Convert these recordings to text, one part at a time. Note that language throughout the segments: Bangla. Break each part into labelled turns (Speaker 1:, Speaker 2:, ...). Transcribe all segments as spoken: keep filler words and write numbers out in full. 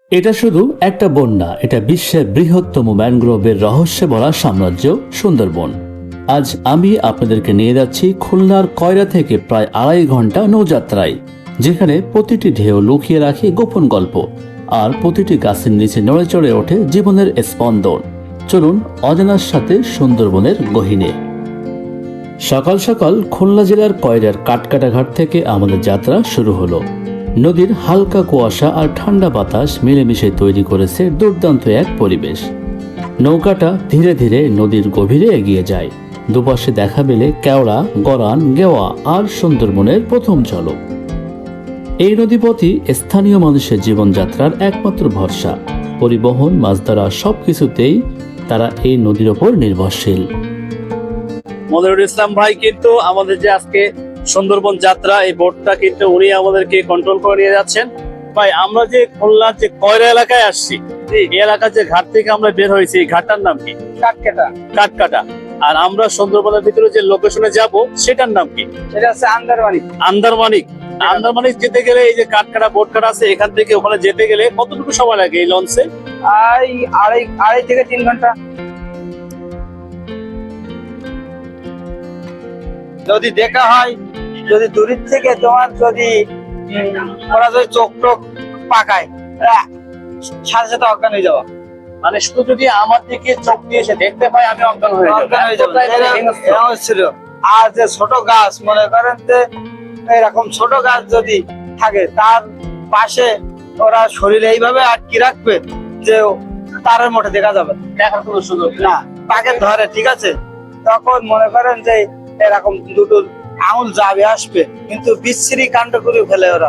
Speaker 1: এটা শুধু একটা বন না, এটা বিশ্বের বৃহত্তম ম্যানগ্রোভের রহস্যে ভরা সাম্রাজ্য সুন্দরবন। আজ আমি আপনাদেরকে নিয়ে যাচ্ছি খুলনার কয়রা থেকে প্রায় আড়াই ঘন্টা নৌযাত্রায়, যেখানে প্রতিটি ঢেউ লুকিয়ে রাখে গোপন গল্প, আর প্রতিটি গাছের নিচে নড়ে চড়ে ওঠে জীবনের স্পন্দন। চলুন অজানার সাথে সুন্দরবনের গহীনে। সকাল সকাল খুলনা জেলার কয়রার কাঠকাটা ঘাট থেকে আমাদের যাত্রা শুরু হলো। নদীর হালকা কুয়াশা আর ঠান্ডা বাতাস মিলেমিশে তৈরি করেছে দুর্দান্ত এক পরিবেশ। নৌকাটা ধীরে ধীরে নদীর গভীরে এগিয়ে যায়। দুপাশে দেখা মেলে কেওড়া, গরান, গেওয়া আর সুন্দরবনের প্রথম ঝলক। এই নদীপথই স্থানীয় মানুষের জীবনযাত্রার একমাত্র ভরসা। পরিবহন, মাছ ধরা সবকিছুতেই তারা এই নদীর ওপর নির্ভরশীল।
Speaker 2: মনিরুল ইসলাম ভাই কিন্তু আমাদের যে আজকে সুন্দরবন যাত্রা, এই বোটটা কিন্তু উনি আমাদেরকে কন্ট্রোল করে নিয়ে যাচ্ছেন। ভাই, আমরা যে খুলনার যে কয়রা এলাকায় আসছি, এই এলাকার যে ঘাট থেকে আমরা বের হয়েছি, এই ঘাটটার নাম কি? কাঠকাটা। কাঠকাটা। আর আমরা সুন্দরবনের ভিতরে যে লোকেশনে যাব, সেটার নাম কি?
Speaker 3: সেটা হচ্ছে আন্দারমানিক।
Speaker 2: আন্দারমানিক। আন্দারমানিক যেতে গেলে এই যে কাঠকাটা বোট কাটা আছে, এখান থেকে ওখানে যেতে গেলে কতটুকু সময় লাগে এই লঞ্চে?
Speaker 3: আড়াই আড়াই আড়াই থেকে তিন ঘন্টা। যদি দেখা হয়, যদি দূরের থেকে তোমার যদি উম, ওরা যদি চোখ টোক পাকায়, আহ, সাথে সাথে অজ্ঞান হয়ে যাওয়া।
Speaker 2: মানে শুধু যদি আমার দিকে চোখ দিয়ে এসে দেখতে পাই, আমি অজ্ঞান হয়ে যাবো।
Speaker 3: অজ্ঞান হয়ে যাবে। এরকম- এরকম ছিল। আর যে ছোট গাছ, মনে করেন যে এরকম ছোট গাছ যদি থাকে, তার পাশে ওরা শরীরে এইভাবে আটকে রাখবে যে তারের মধ্যে দেখা যাবে না।
Speaker 2: দেখার কোনো সুযোগ নেই।
Speaker 3: না, পাকে ধরে, ঠিক আছে, তখন মনে করেন যে এরকম দুটো আঙুল যাবে আসবে, কিন্তু বিচ্ছিরি কাণ্ড করে ফেলে ওরা।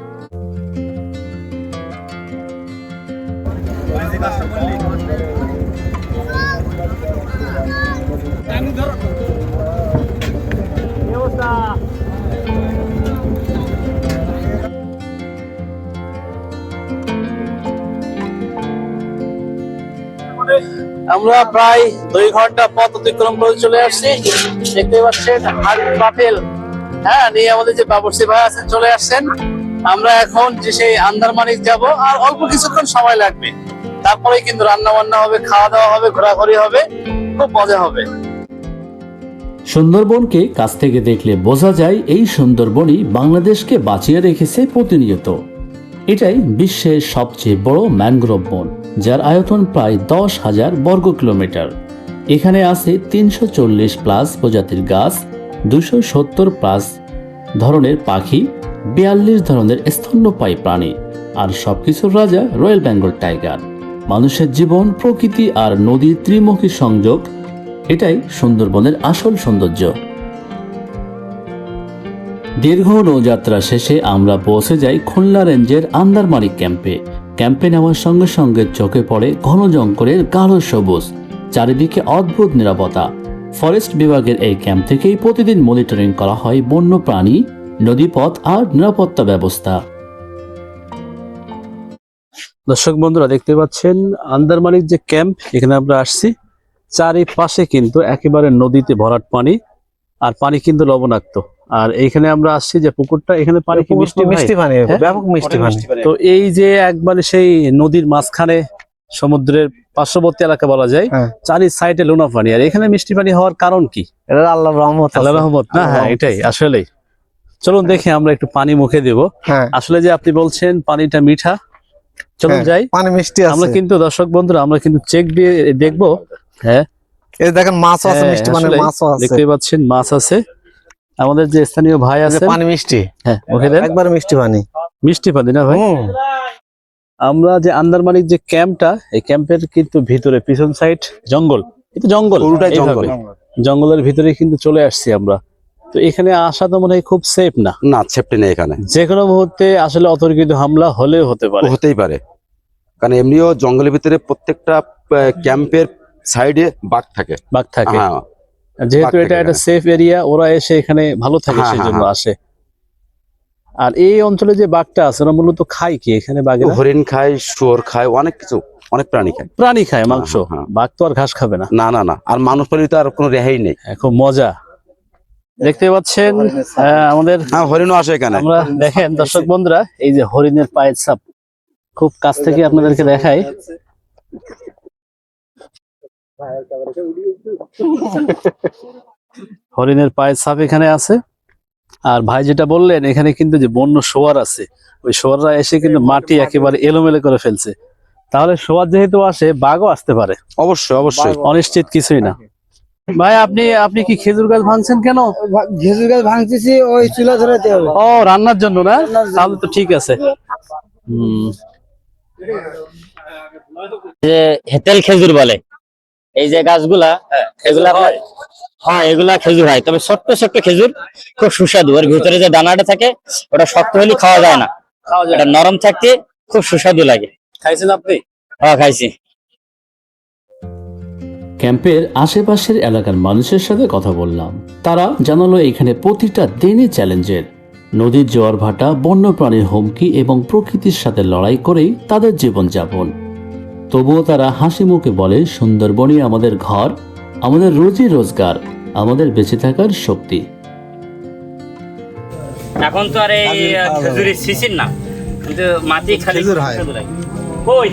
Speaker 2: আমরা প্রায় দুই ঘন্টা পথ অতিক্রম করে চলে আসছি। দেখতে পাচ্ছেন হাট বাফেল, হ্যাঁ, নিয়ে আমাদের যে বাবুর্চি ভাই আছেন চলে আসছেন। আমরা এখন যে সেই আন্দারমানিক যাব, আর অল্প কিছুক্ষণ সময় লাগবে, তারপরে কিন্তু রান্না বান্না হবে, খাওয়া দাওয়া হবে, ঘোরাঘুরি হবে, খুব মজা হবে।
Speaker 1: সুন্দরবনকে কাছ থেকে দেখলে বোঝা যায় এই সুন্দরবনই বাংলাদেশকে বাঁচিয়ে রেখেছে প্রতিনিয়ত। এটাই বিশ্বের সবচেয়ে বড় ম্যানগ্রোভ বন, যার আয়তন প্রায় দশ হাজার বর্গ কিলোমিটার। এখানে আছে তিনশো চল্লিশ প্লাস প্রজাতির গাছ, দুশো সত্তর প্লাস ধরনের পাখি, বিয়াল্লিশ ধরনের স্তন্যপায়ী প্রাণী, আর সবকিছুর রাজা রয়্যাল বেঙ্গল টাইগার। মানুষের জীবন, প্রকৃতি আর নদীর ত্রিমুখী সংযোগ, এটাই সুন্দরবনের আসল সৌন্দর্য। দীর্ঘ নৌযাত্রা শেষে আমরা পৌঁছে যাই খুলনা রেঞ্জের আন্দারমানিক ক্যাম্পে। ক্যাম্পে নেওয়ার সঙ্গে সঙ্গে চোখে পড়ে ঘন জঙ্গলের গাঢ় সবুজ, চারিদিকে অদ্ভুত নিরাপত্তা। ফরেস্ট বিভাগের এই ক্যাম্প থেকেই প্রতিদিন মনিটরিং করা হয় বন্য প্রাণী, নদীপথ আর নিরাপত্তা ব্যবস্থা।
Speaker 2: দর্শক বন্ধুরা, দেখতে পাচ্ছেন আন্দারমানিক যে ক্যাম্প, এখানে আমরা আসছি। চারিপাশে কিন্তু একেবারে নদীতে ভরাট পানি, আর পানি কিন্তু লবণাক্ত। আর এইখানে আমরা আসছি যে পুকুরটা, এখানে পানি কি মিষ্টি
Speaker 3: মিষ্টি পানি,
Speaker 2: হ্যাঁ?
Speaker 3: ব্যাপক মিষ্টি পানি।
Speaker 2: তো এই যে একবারে সেই নদীর মাঝখানে, সমুদ্রের পার্শ্ববর্তী এলাকা বলা যায়,
Speaker 3: হ্যাঁ।
Speaker 2: চারি সাইডে লোনা পানি। আর এখানে মিষ্টি পানি হওয়ার কারণ কি?
Speaker 3: এটা আল্লাহর রহমত।
Speaker 2: আল্লাহ রহমত না? হ্যাঁ, এটাই আসলেই। চলুন দেখি, আমরা একটু পানি মুখে দেব।
Speaker 3: হ্যাঁ,
Speaker 2: আসলে যে আপনি বলছেন পানিটা মিঠা, চলুন
Speaker 3: হ্যাঁ,
Speaker 2: যাই।
Speaker 3: পানি মিষ্টি আছে।
Speaker 2: আমরা কিন্তু দর্শক বন্ধুরা, আমরা কিন্তু চেক দিয়ে দেখবো। হ্যাঁ,
Speaker 3: এই দেখেন মাছ আছে,
Speaker 2: হ্যাঁ,
Speaker 3: মিষ্টি পানি
Speaker 2: আসলেই
Speaker 3: মাছও আছে।
Speaker 2: দেখতে পাচ্ছেন মাছ আছে। আমাদের যে স্থানীয় ভাই
Speaker 3: এই যে
Speaker 2: আছে,
Speaker 3: পানি মিষ্টি,
Speaker 2: হ্যাঁ, মুখে দেন।
Speaker 3: একবার মিষ্টি পানি।
Speaker 2: মিষ্টি পানি না ভাই?
Speaker 3: হুম।
Speaker 2: আমরা যে আন্দারমানিক যে ক্যাম্পটা, এই ক্যাম্পের কিন্তু ভিতরে পিছন সাইড জঙ্গল, এটা জঙ্গল,
Speaker 3: পুরোটাই
Speaker 2: এইভাবে।
Speaker 3: জঙ্গল।
Speaker 2: জঙ্গলের ভিতরে কিন্তু চলে আসছি আমরা। তো এখানে আসা তো মনে হয় খুব সেফ না।
Speaker 4: না, সেফটি নেই এখানে।
Speaker 2: যে কোনো মুহূর্তে আসলে অতর্কিত হামলা হলেও হতে পারে।
Speaker 4: হতেই পারে, কারণ এমনিও জঙ্গলের ভিতরে প্রত্যেকটা ক্যাম্পের সাইডে বাঘ থাকে।
Speaker 2: বাঘ থাকে,
Speaker 4: হ্যাঁ,
Speaker 2: যেহেতু
Speaker 4: বাঘ
Speaker 2: এটা
Speaker 4: থাকে
Speaker 2: একটা
Speaker 4: এখানে।
Speaker 2: সেফ এরিয়া, ওরা এসে এখানে ভালো থাকে,
Speaker 4: হ্যাঁ,
Speaker 2: সেই
Speaker 4: হ্যাঁ,
Speaker 2: জন্য
Speaker 4: হ্যাঁ।
Speaker 2: আসে। আর এই অঞ্চলে যে বাঘটা আছে, ওরা মূলত খায় কি এখানে? বাঘেরা
Speaker 4: হরিণ খায়, শুয়োর খায়, অনেক কিছু, অনেক প্রাণী খায়।
Speaker 2: প্রাণী খায়, মাংস।
Speaker 4: হ্যাঁ, হ্যাঁ।
Speaker 2: বাঘ তো আর ঘাস খাবে না।
Speaker 4: না না না, আর মানুষ প্রাণী তো আর কোনো রেহাই নেই।
Speaker 2: হ্যাঁ, খুব মজা। দেখতে পাচ্ছেন আহ, আমাদের,
Speaker 4: হ্যাঁ, হরিণও আসে এখানে।
Speaker 2: আমরা দেখেন দর্শক বন্ধুরা, এই যে হরিণের পায়ের ছাপ, খুব কাছ থেকে আপনাদেরকে দেখাই। হরিণের পায়ের ছাপ এখানে আছে। আর ভাই যেটা বললেন এখানে কিন্তু যে বন্য শোয়ার আছে, ওই শোয়াররা এসে কিন্তু মাটি একেবারে এলোমেলো করে ফেলছে। তাহলে শোয়ার যেহেতু আসে, বাঘও আসতে পারে,
Speaker 4: অবশ্যই অবশ্যই।
Speaker 2: অনিশ্চিত কিছুই না। ভাই আপনি আপনি কি খেজুর গাছ ভাঙছেন কেন?
Speaker 3: খেজুর গাছ ভাঙতেছি ওই চুলা ধরাতে হবে।
Speaker 2: ও, রান্নার জন্য না? তাহলে তো ঠিক আছে। হম
Speaker 5: যে হেতেল খেজুর বলে এই যে গাছগুলা, এগুলা আপনার- হ্যাঁ এগুলা খেজুর হয়, তবে ছোট্ট ছোট্ট খেজুর, খুব সুস্বাদু। ওর ভিতরে যে দানাটা থাকে ওটা শক্ত হলে খাওয়া যায় না,
Speaker 2: খাওয়া যায়
Speaker 5: এটা নরম থাকতে খুব সুস্বাদু লাগে।
Speaker 2: খাইছেন আপনি?
Speaker 5: হ্যাঁ খাইছি।
Speaker 1: ক্যাম্পের আশেপাশের এলাকার মানুষের সাথে কথা বললাম। তারা জানালো এখানে প্রতিটা দিনই চ্যালেঞ্জের। নদীর জোয়ার ভাটা, বন্যপ্রাণীর হুমকি এবং প্রকৃতির সাথে লড়াই করেই তাদের জীবনযাপন। তবুও তারা হাসি মুখে বলে, সুন্দরবনই আমাদের ঘর, আমাদের রোজি রোজগার, আমাদের বেঁচে থাকার শক্তি।
Speaker 5: এখন তো আর এই খেজুরের সিজন না, কিন্তু মাটি খালি
Speaker 3: খেজুর হয়।
Speaker 5: সুস্বাদু লাগে। কই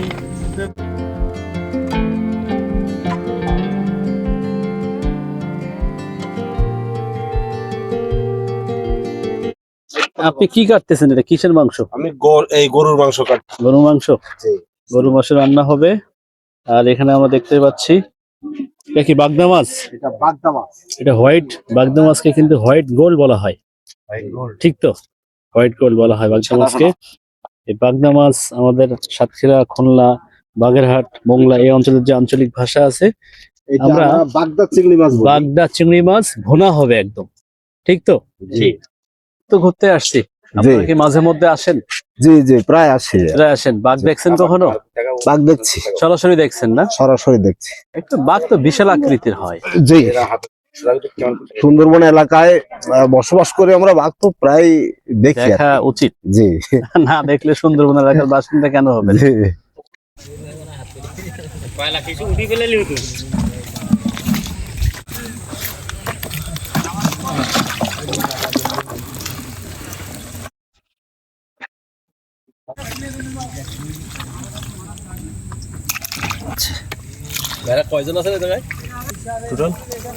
Speaker 2: আপনি কি কাটতেছেন? এটা কিসের মাংস?
Speaker 6: আমি গর- এই গরুর মাংস কাটছি।
Speaker 2: গরু মাংস?
Speaker 6: জি।
Speaker 2: গরু মাংস রান্না হবে। আর এখানে আমরা দেখতে পাচ্ছি এটা কি বাগদা মাছ?
Speaker 6: এটা বাগদা মাছ।
Speaker 2: এটা হোয়াইট বাগদা মাছকে কিন্তু হোয়াইট গোল্ড বলা হয়, ঠিক তো? হোয়াইট গোল্ড বলা হয় বাগদা মাছকে। এই বাগদা মাছ আমাদের সাতক্ষীরা, খুলনা, বাগেরহাট, মোংলা এই অঞ্চলের যে আঞ্চলিক ভাষা আছে,
Speaker 6: এটা
Speaker 2: আমরা
Speaker 6: আমরা বাগদা চিংড়ি মাছ বলি।
Speaker 2: বাগদা চিংড়ি মাছ ভুনা হবে একদম, ঠিক তো?
Speaker 6: জি
Speaker 2: তো ঘুরতে আসছি, আপনারা কি মাঝে মধ্যে আসেন?
Speaker 6: জি জি প্রায় আসি।
Speaker 2: এরা আসেন। বাঘ দেখছেন কখনো?
Speaker 6: বাঘ দেখছি,
Speaker 2: সরাসরি দেখছেন না?
Speaker 6: সরাসরি দেখছি।
Speaker 2: একটু বাঘ তো বিশাল আকৃতির হয়।
Speaker 6: জি, সুন্দরবন এলাকায় আহ, বসবাস করে আমরা বাঘ তো প্রায় দেখি আর
Speaker 2: দেখা
Speaker 6: কি।
Speaker 2: উচিত,
Speaker 6: জি
Speaker 2: না দেখলে সুন্দরবন এলাকার বাসিন্দা কেন হবে?
Speaker 6: জি।
Speaker 5: কয়লা কিছু উঠি ফেলে লিউ তো।
Speaker 2: কয়জন আছে জায়গায় টোটাল?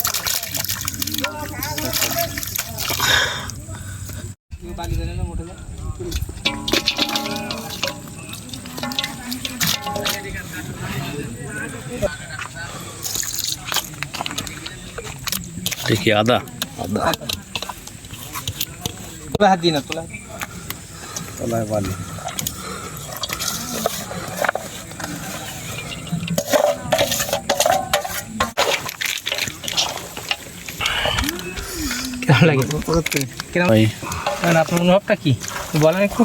Speaker 2: দেখি আদা আদা
Speaker 3: হাত দিই না তোলা। কেমন লাগে? কেমন
Speaker 2: ভাই
Speaker 3: আপনার অনুভবটা কি বলেন একটু?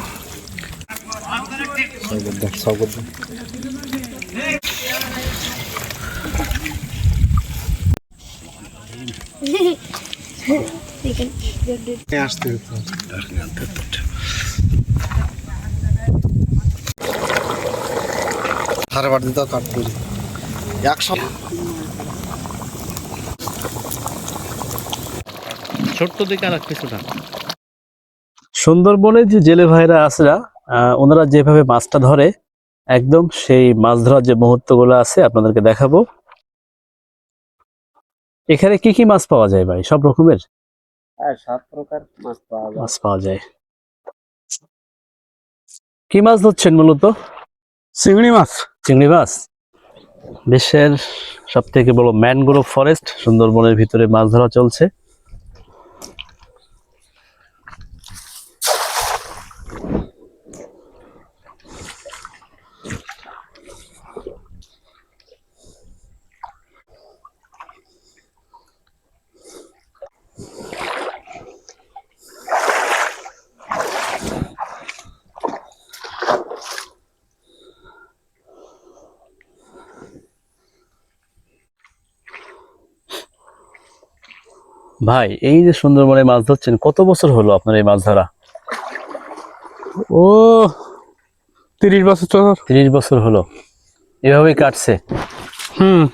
Speaker 6: সারা বাড়ি তো কাট করি একশো।
Speaker 2: ছোট্ট দিকে আর কিছুটা। সুন্দরবনের যে জেলে ভাইরা আসরা, আহ, ওনারা যেভাবে মাছটা ধরে, একদম সেই মাছ ধরার যে মুহূর্তগুলো আছে আপনাদেরকে দেখাবো। এখানে কি কি মাছ পাওয়া যায় ভাই? সব রকমের
Speaker 5: হ্যাঁ, সাত প্রকার মাছ পাওয়া যায়।
Speaker 2: মাছ পাওয়া যায়। কি মাছ ধরছেন মূলত?
Speaker 6: চিংড়ি মাছ।
Speaker 2: চিংড়ি মাছ। বিশ্বের সব থেকে বড় ম্যানগ্রোভ ফরেস্ট সুন্দরবনের ভিতরে মাছ ধরা চলছে। ভাই এই যে সুন্দরবনে মাছ ধরছেন, কত বছর হলো আপনার এই মাছ ধরা?
Speaker 6: ও তিরিশ বছর তো।
Speaker 2: তিরিশ বছর হলো এভাবেই কাটছে।
Speaker 6: হুম।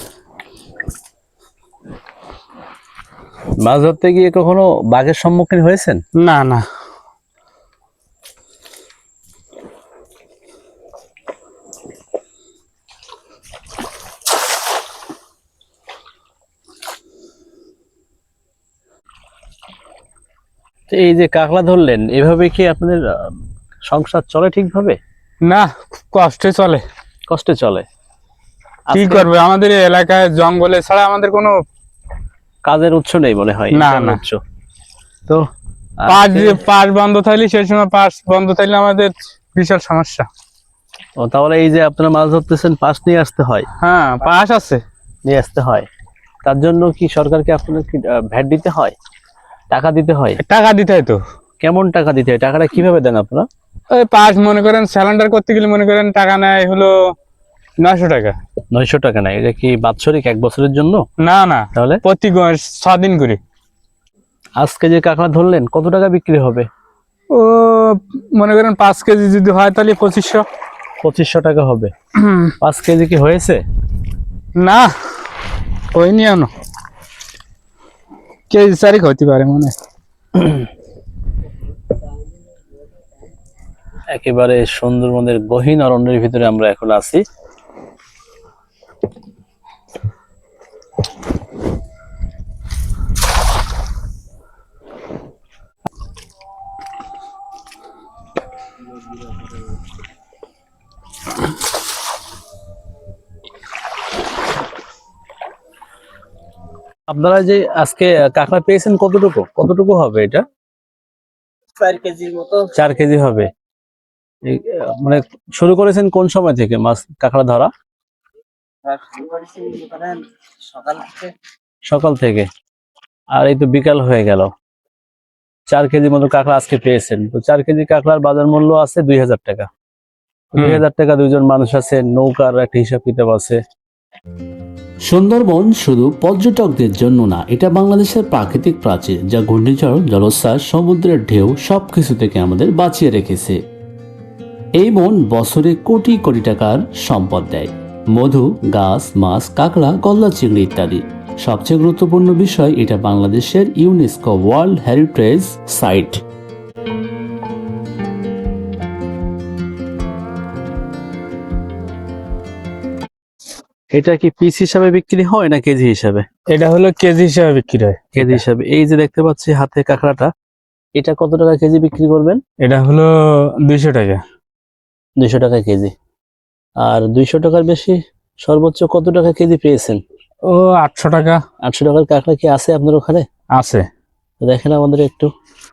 Speaker 2: মাছ ধরতে গিয়ে কখনো বাঘের সম্মুখীন হয়েছেন?
Speaker 6: না না।
Speaker 2: এই যে কাঁকড়া ধরলেন, এভাবে কি আপনাদের আহ, সংসার চলে ঠিকভাবে?
Speaker 7: না, কষ্টে চলে।
Speaker 2: কষ্টে চলে?
Speaker 7: কি
Speaker 2: আজকে
Speaker 7: করবে, আমাদের এই এলাকায় জঙ্গলে ছাড়া আমাদের কোনো
Speaker 2: কাজের উৎস নেই মনে হয়।
Speaker 7: না,
Speaker 2: ইনকামের
Speaker 7: না।
Speaker 2: উৎস। তো
Speaker 7: পাস
Speaker 2: আজকে-
Speaker 7: পাস বন্ধ থাকলে সেই সময় পাস বন্ধ থাকলে আমাদের বিশাল সমস্যা।
Speaker 2: ও, তাহলে এই যে আপনারা মাছ ধরতেছেন, পাশ নিয়ে আসতে হয়?
Speaker 7: হ্যাঁ, পাস আছে।
Speaker 2: নিয়ে আসতে হয়। তার জন্য কি সরকারকে আপনাদের কি ভ্যাট দিতে হয়, টাকা দিতে হয়?
Speaker 7: টাকা দিতে হয় তো।
Speaker 2: কেমন টাকা দিতে হয়? টাকাটা কিভাবে দেন আপনারা?
Speaker 7: ওই পাস মনে করেন স্যালেন্ডার করতে গেলে মনে করেন টাকা নেয় হলো নয়শো টাকা।
Speaker 2: নয়শো টাকা না, এটা কি বাৎসরিক এক বছরের জন্য?
Speaker 7: না না,
Speaker 2: তাহলে
Speaker 7: প্রতি গ- ছ দিন করে।
Speaker 2: আজকে যে কাঁকড়া ধরলেন কত টাকা বিক্রি হবে?
Speaker 7: ও মনে করেন পাঁচ কেজি যদি হয় তাহলে পঁচিশশো।
Speaker 2: পঁচিশশো টাকা হবে। পাঁচ কেজি কি হয়েছে?
Speaker 7: না, ওই নিয়ে আনো কেজি চারিক হতে পারে মনে হয়।
Speaker 2: একেবারে সুন্দরবনের গহীন অরণ্যের ভিতরে আমরা এখন আছি। আপনারা যে আজকে কাঁকড়া পেয়েছেন কতটুকু কতটুকু হবে এটা?
Speaker 3: চার কেজির মতো।
Speaker 2: চার কেজি হবে। এই, আহ, মানে শুরু করেছেন কোন সময় থেকে মাছ কাঁকড়া ধরা?
Speaker 3: সকাল থেকে।
Speaker 2: সকাল থেকে। আর এই তো বিকাল হয়ে গেল, চার কেজি মতো কাঁকড়া আজকে পেয়েছেন। তো চার কেজি কাঁকড়ার বাজার মূল্য আছে দুই হাজার টাকা। দুই হাজার টাকা দুইজন মানুষ আছে, নৌকার একটা হিসাব কিতাব আছে।
Speaker 1: সুন্দরবন শুধু পর্যটকদের জন্য না, এটা বাংলাদেশের প্রাকৃতিক প্রাচীর, যা ঘূর্ণিঝড়, জলোচ্ছ্বাস, সমুদ্রের ঢেউ সবকিছু থেকে আমাদের বাঁচিয়ে রেখেছে। এই বন বছরে কোটি কোটি টাকার সম্পদ দেয়। মধু, গাছ, মাছ, কাঁকড়া, গলদা চিংড়ি ইত্যাদি। সবচেয়ে গুরুত্বপূর্ণ বিষয়, এটা বাংলাদেশের ইউনেস্কো ওয়ার্ল্ড হেরিটেজ সাইট।
Speaker 2: এটা কি পিস হিসাবে বিক্রি হয় না কেজি হিসাবে?
Speaker 7: এটা হলো কেজি হিসাবে বিক্রি হয়।
Speaker 2: কেজি হিসাবে। এই যে দেখতে পাচ্ছি হাতে কাঁকড়াটা, এটা কত টাকা কেজি বিক্রি করবেন?
Speaker 7: এটা হলো দুইশো টাকা।
Speaker 2: দুইশো টাকা কেজি। আর দুইশো টাকার বেশি সর্বোচ্চ কত টাকা কেজি পেয়েছেন?
Speaker 7: ও আটশো টাকা
Speaker 2: আটশো টাকার কাঁকড়া কি আছে আপনার ওখানে?
Speaker 7: আছে।
Speaker 2: তো দেখেন আমাদের একটু।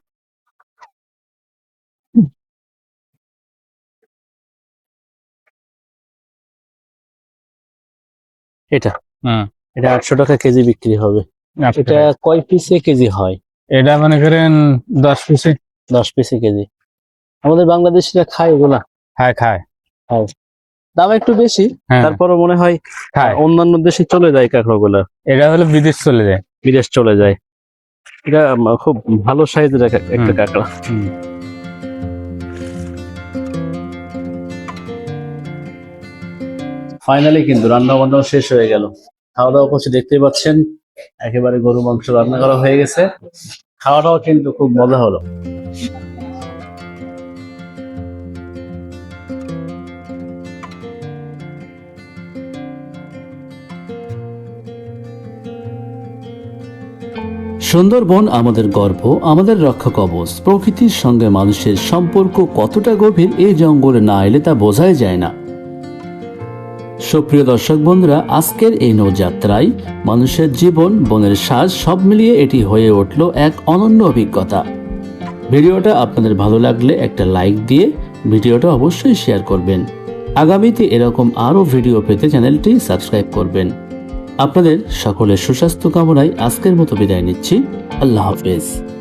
Speaker 2: এটা
Speaker 7: হুম,
Speaker 2: এটা আটশো টাকা কেজি বিক্রি হবে।
Speaker 7: আটশো
Speaker 2: এটা
Speaker 7: টাকা।
Speaker 2: কয় পিসে কেজি হয়?
Speaker 7: এটা মনে করেন দশ পিসে।
Speaker 2: দশ পিসে কেজি। আমাদের বাংলাদেশিরা খায় এগুলা?
Speaker 7: হ্যাঁ, খায়।
Speaker 2: দাম একটু বেশি,
Speaker 7: হ্যাঁ,
Speaker 2: তারপরও মনে হয়
Speaker 7: খায়।
Speaker 2: অন্যান্য দেশে চলে যায় কাঁকড়াগুলা,
Speaker 7: এটা হলো বিদেশ চলে যায়।
Speaker 2: বিদেশ চলে যায়। এটা উম, খুব ভালো সাইজের একটা একটা
Speaker 7: হুম।
Speaker 2: কাঁকড়া।
Speaker 7: হুম।
Speaker 2: ফাইনালি কিন্তু রান্না বান্না শেষ হয়ে গেল, খাওয়া দাওয়া করছি দেখতেই পাচ্ছেন। একেবারে গরু মাংস রান্না করা হয়ে গেছে, খাওয়াটাও কিন্তু খুব মজা হলো।
Speaker 1: সুন্দরবন আমাদের গর্ব, আমাদের রক্ষা কবচ। প্রকৃতির সঙ্গে মানুষের সম্পর্ক কতটা গভীর, এই জঙ্গলে না এলে তা বোঝাই যায় না। সুপ্রিয় দর্শক বন্ধুরা, আজকের এই নৌযাত্রায় মানুষের জীবন, বনের শ্বাস সব মিলিয়ে এটি হয়ে উঠল এক অনন্য অভিজ্ঞতা। ভিডিওটা আপনাদের ভালো লাগলে একটা লাইক দিয়ে ভিডিওটা অবশ্যই শেয়ার করবেন। আগামীতে এরকম আরও ভিডিও পেতে চ্যানেলটি সাবস্ক্রাইব করবেন। আপনাদের সকলের সুস্বাস্থ্য কামনায় আজকের মতো বিদায় নিচ্ছি। আল্লাহ হাফেজ।